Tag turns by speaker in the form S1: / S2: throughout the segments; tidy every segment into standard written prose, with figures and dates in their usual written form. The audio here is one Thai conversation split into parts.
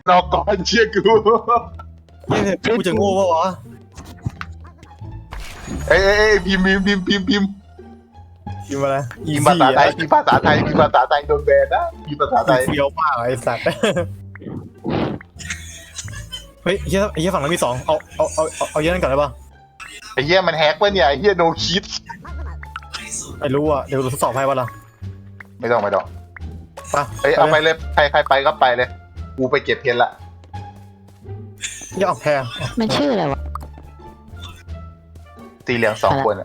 S1: นอกก่อนเชื่อกู
S2: เนี่ยกูจะโง่ปะวะ
S1: เอ้ยพิมพ์
S2: พิมพ์อะไร
S1: พิมพ์ภาษาไทยพิมพ์ภาษาไทยโดนแบนนะพิมพ์ภาษาไทย
S2: เฟี้ยวมากไอ้สัตว์เฮ้ยเฮียฝั่งนั้นมี2เอาเยอะนั่นก่อนได้ปะ
S1: ไอ้เหี้ยมันแฮกวะเนี่ยไอ้เหี้ยโนคิด
S2: ไม่รู้อ่ะเดี๋ยวทดสอบให้ปะล่ะ
S1: ไม่ต้อง
S2: ไป
S1: เฮ้ยเอาไปเลยใครไปก็ไปเลยกูไปเก็บเพนละ
S2: อย่าออกแพร
S3: มันชื่ออะไรวะ
S1: สีเหลือง2 คนอ่ะ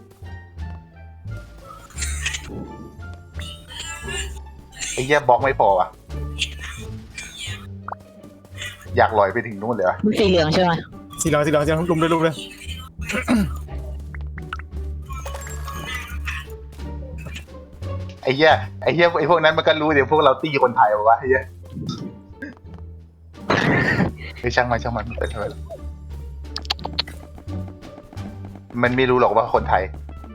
S1: ไอ้เหี้ยบล็อกไม่พอว่ะอยากลอยไปถึงนู่นเลยวะ
S3: มันสีเหลืองใช่ไหม
S2: สีเหลืองลุมเลย
S1: ไอ้เหี้ยไอ้พวกนั้นมันก็รู้เดี๋ยวพวกเราตีคนไทยวะไอ้เหี้ยไอ้ช่างมันไปเถอะมันไม่รู้หรอกว่าคนไทย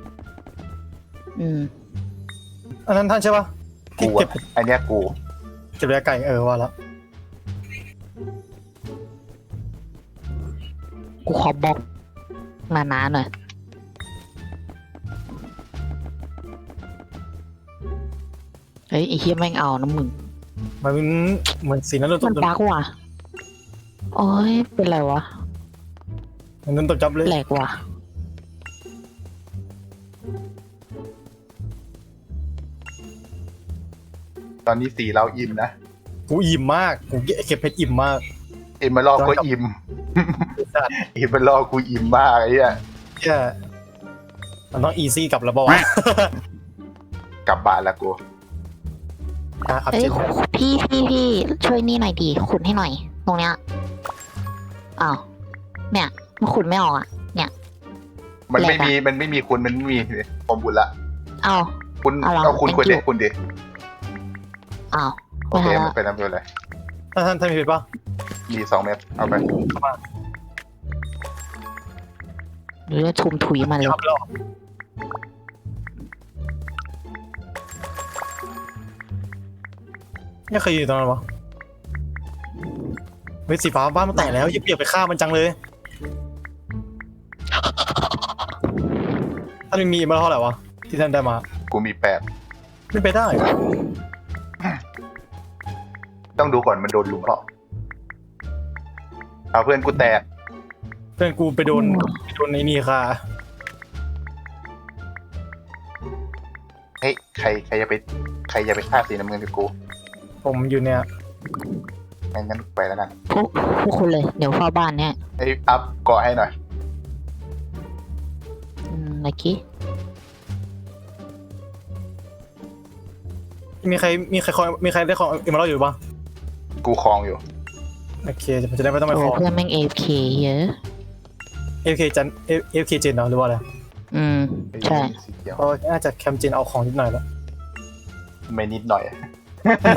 S2: อันนั้นท่านใช่ปะที่
S1: กู
S2: เก็บ
S1: อ่ะอันเนี้ยกู
S2: ระยะไก่ว่าละ
S3: กูขอบล็อกหนาๆหน่อยเฮ้ยไอ้เฮียแม่งเอานะมึง
S2: มันเหมือนสีนั้นโดนต
S3: มัน
S2: บ
S3: บั๊กว่ะโอ้ยเป็นไรวะ
S2: มันโดนตบจับเลย
S3: แหลกว่ะ
S1: ตอนนี้สีเราอิ่มนะ
S2: กูอิ่มมากกูเก็บเพชรอิ่มมาก
S1: เอ็มมาลอกก็อิ่ม เอ็มมาลอกกูอิ่มมากไอ้เหี้ย
S2: แค่มันต้องอีซี่กลับแล้วปะวะ
S1: กลับบ้านละกู
S2: อัพ
S3: เอ้
S2: เจ
S3: ย
S2: น
S3: พี่ช่วยนี่หน่อยดีขุดให้หน่อย ตรงเนี้ยอ้าวเนี่ยมันขุดไม่ออกอ่ะ เนี่ย
S1: มันไม่มีคุณมันไม่มีผมบุญละ
S3: อ้าว
S1: คุณ
S3: เอาเหรอ
S1: เอาคุณ
S3: thank
S1: คุณดิ
S3: you
S1: คุณดิ
S3: อ้าว
S1: โอเค
S3: ไม่
S1: มั
S3: ทั
S1: น
S3: น
S1: เป็นน้ำเป็นอะไร
S2: ท่านมีเพชรปะ
S1: มี2 เม็ดเอาไป
S3: หรือจะทุมถุยมาเลย
S2: ยับแล้วเนี่ยเคยอยู่ตรงนั้นวะเฮ้ยสีฟ้าบ้านมันแตกแล้วอย่าเปียกไปฆ่ามันจังเลยท่านมีมาเท่าไหร่วะที่ท่านได้มา
S1: กูมี8
S2: ไม่ไปได้
S1: ต้องดูก่อนมันโดนลุมเปล่าเอาเพื่อนกูแตก
S2: เพื่อนกูไปโดนไอ้นี่ค่ะ
S1: เฮ้ยใครจะไปฆ่าสีน้ำเงินกับกู
S2: ผมอยู่เนี่ย
S1: งั้นไปแล้วกัน
S3: พวกคุณเลย เดี๋ยวเฝ้าบ้านเนี่ย
S1: ไอ้ยอัพเกาะให้หน่อย
S3: เมื่อกี้
S2: มีใครได้ของเอ็มเมอรัลอยู่ปะ
S1: กูคลองอยู่
S2: โอเคจะได้ไม่ต้องไป
S3: โอ้
S2: ขอ
S3: เพื่อนแม่ง AFK เยอะ
S2: AFK เจนเนาะหรือว่าอะไร
S3: ใช่
S1: สีเขียว
S2: ก็น่าจะแคมเจนเอาของนิดหน่อยแล้ว
S1: ไม่นิดหน่อย
S3: ไป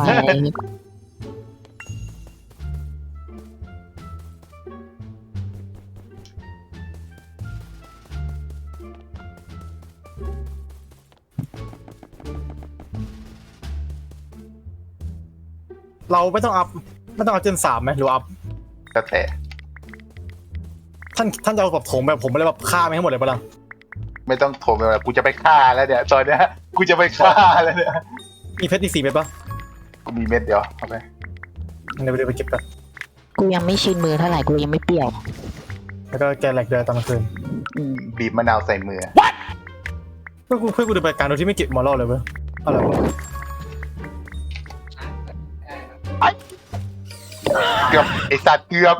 S2: เราไม่ต้องอัพเจน3ไหมหรืออัพ
S1: ก็แต่
S2: ท่านจะเอาแบบโถมแบบผมไม่ได้แบบฆ่าไม่ให้หมดเลยปะล่ะ
S1: ไม่ต้องโทรไปว่ากูจะไปฆ่าแล้วเนี่ยตอนเนี้ยกูจะไปฆ่าแล้วเนี่ย
S2: มีเพชรอีก4เม็ดปะ
S1: กูมีเม็ดเดียวเอาไป
S2: เดี๋ยวไปเก็บกัน
S3: กูยังไม่ชินมือเท่าไหร่ กูยังไม่เปรี้ยว
S2: แล้วก็แกแหลกเดือตอนกลางคืน
S1: บีบมะนาวใส่มือ
S2: เพื่อนกูเดินไปการโดยที่ไม่เก็บมอรัลเลยเว้ยอะไรวะ
S1: เกือบไอสัตว์เกือบ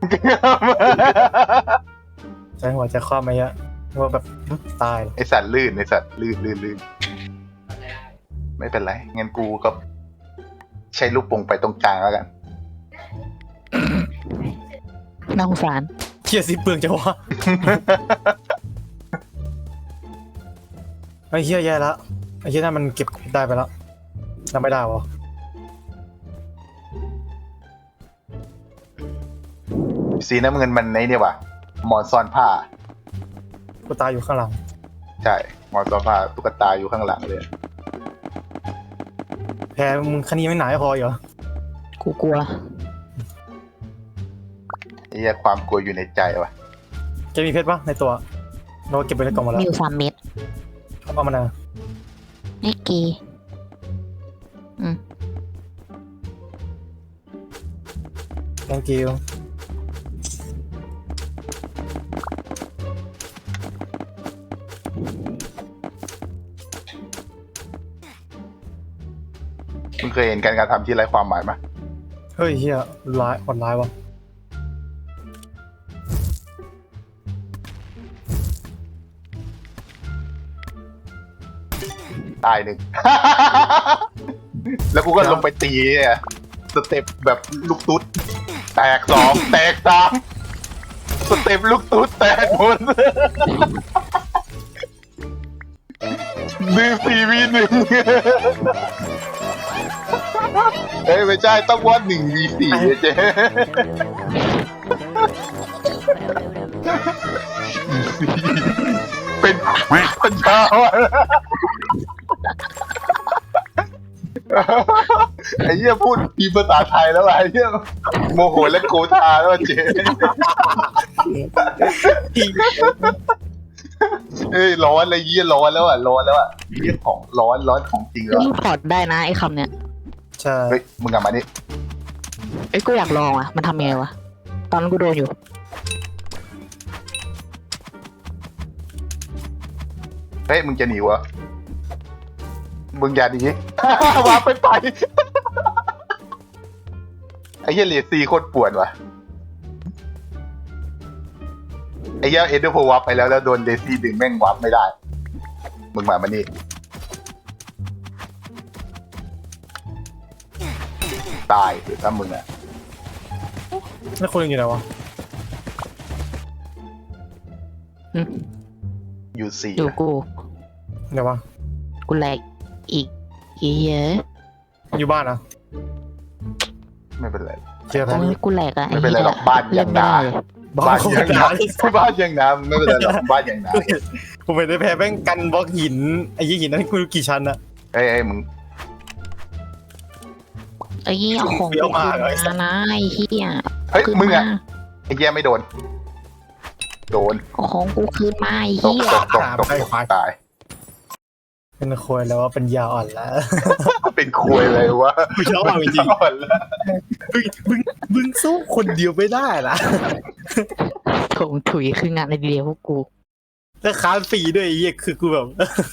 S2: ใจหัวใจคว่ำไหมฮะว่าแบบตาย
S1: ไอสัตว์ลื่นลื่นไม่เป็นไรงั้นกูก็ใช้ลูกโป่งไปตรงกลางแล้วกัน
S3: น่าสงสาร
S2: เทียสิเปลืองจังวะ ไอ้เหี้ยแย่แล้วไอ้เหี้ยนั่นมันเก็บได้ไปแล้วทำไม่ได้วะ
S1: สีน้ำเงินมันในเนี่ยว่ะหมอนซ่อนผ้า
S2: กูตายอยู่ข้างหลัง
S1: ใช่หมอนซ่อนผ้าตุ๊กตาอยู่ข้างหลังเลย
S2: แพ้มึงคณีไม่หนาไม่พอเหรอ
S3: กูกลัว
S1: เหี้ยความกลัวอยู่ในใจวะ
S2: แกมีเพชรปะในตัวเราเก็บไว้ในกล่องหมดแล้ว
S3: มีอยู่3 เม็ด
S2: เอามานะ
S3: นี่กีอืม
S2: thank you
S1: มึงเคยเห็นการกระทำที่ไร้ความหมายไหม
S2: เฮ้ยเฮียร้ายโหดร้ายวะ
S1: ตายหนึ่ง แล้วกูก็ลงไปตีเนี่ยสเต็ปแบบลูกตุ๊ดแตก2แตก3สเต็ปลูกตุ๊ดแตกหมด 1 4 v 1 เฮ้ยไม่ใช่ต้องว่า1 v 4เจ๊เป็นคนเช้าอะไอ้เหี้ยพูดพีภาษาไทยแล้วว่ะไอ้เหี้ยโมโหและโกธาแล้วว่ะเจ๊เฮ้ยร้อนเลยเหี้ยร้อนแล้วอ่ะร้อนแล้วอ่ะเหี้ยของร้อนของจริงแล้ว
S3: นี่พอร์ตได้นะไอ้คำเนี้ย
S2: ใช่
S1: เฮ้ยมึงกลับมานี่
S3: ไอ้ยกูอยากลองอ่ะมันทำยังไงวะตอนนั้นกูโดนอยู่
S1: เฮ้ยมึงจะหนีวะมึงอย่าหนี วาไปไอ้เหี้ยเลซี่โคตรป่วนว่ะไอ้เหี้ยเอ็นเดอร์โพวับไปแล้วโดนเลซี่ดึงแม่งวับไม่ได้มึงมานี่ตายถ้ามึงอ่ะ
S2: แล้วคนอื่นอยู่ไหนวะ
S3: อืม
S1: อยู่สี่
S3: อยู่กู
S2: ไหนวะ
S3: กูแหลกอีกเยอะ
S2: อยู่บ้านนะ
S1: ไม่เป็นไร
S2: เจอแพ้
S3: โอ้ยกูแหลกอะ
S1: ไม่เป็นไรหรอกบ้าน
S3: เล่
S1: ยั
S3: น
S1: ง
S3: ไม่
S1: นา
S3: ได้เลย
S2: บ้านโคตรหนา
S1: บ้านยังนาไม่เป็นไรหรอกบ้านยังนา
S2: ผมไปได้แพ้แม่งกันบล็อกหินไอ้ยี่หินนั่นกูรู้กี่ชั้นอะ
S1: เฮ้ยมึง
S3: ไอ้เหี้ยเอาของ
S2: เดี๋ยว
S3: กู
S2: มา
S3: คืน
S2: เลย
S3: มานะไอ้เหี้ย
S1: เฮ้ย
S3: คืน
S1: มึงอ่ะ
S3: า
S1: ไอ้เหี้ยไม่โดน
S3: เอาของกูคืนมาไอ้
S1: ตก
S3: เหี้ย
S1: ตกตาย
S2: เป็นควยแล้วว่าเป็นยาอ่อนแล้ว
S1: เป็นคุยเลยวะ
S2: ไม่ชอบจริง
S1: อ่อนแล้ว
S2: มึงสู้คนเดียวไม่ได้ละ
S3: ถงถุยคืองานในเดียวพวกกู
S2: แล้วค้านฟรีด้วยไอ้เหี้ยคือกูแบบ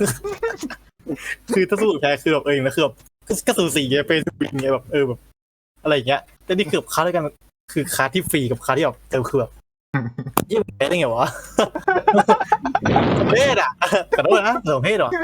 S2: คือถ้าสู้กับแพ้คือแบบเองนะคือแบบก็สูสีไงเป็นวินไงแบบแบบอะไรอย่างเงี้ยแต่นี่คือแบบค้าด้วยกันคือค้าที่ฟรีกับค้าที่แบบคือแบบยิ่งแพ้ได้ไงวะ สมเพศอ่ะขอโทษนะสมเพศเหรอ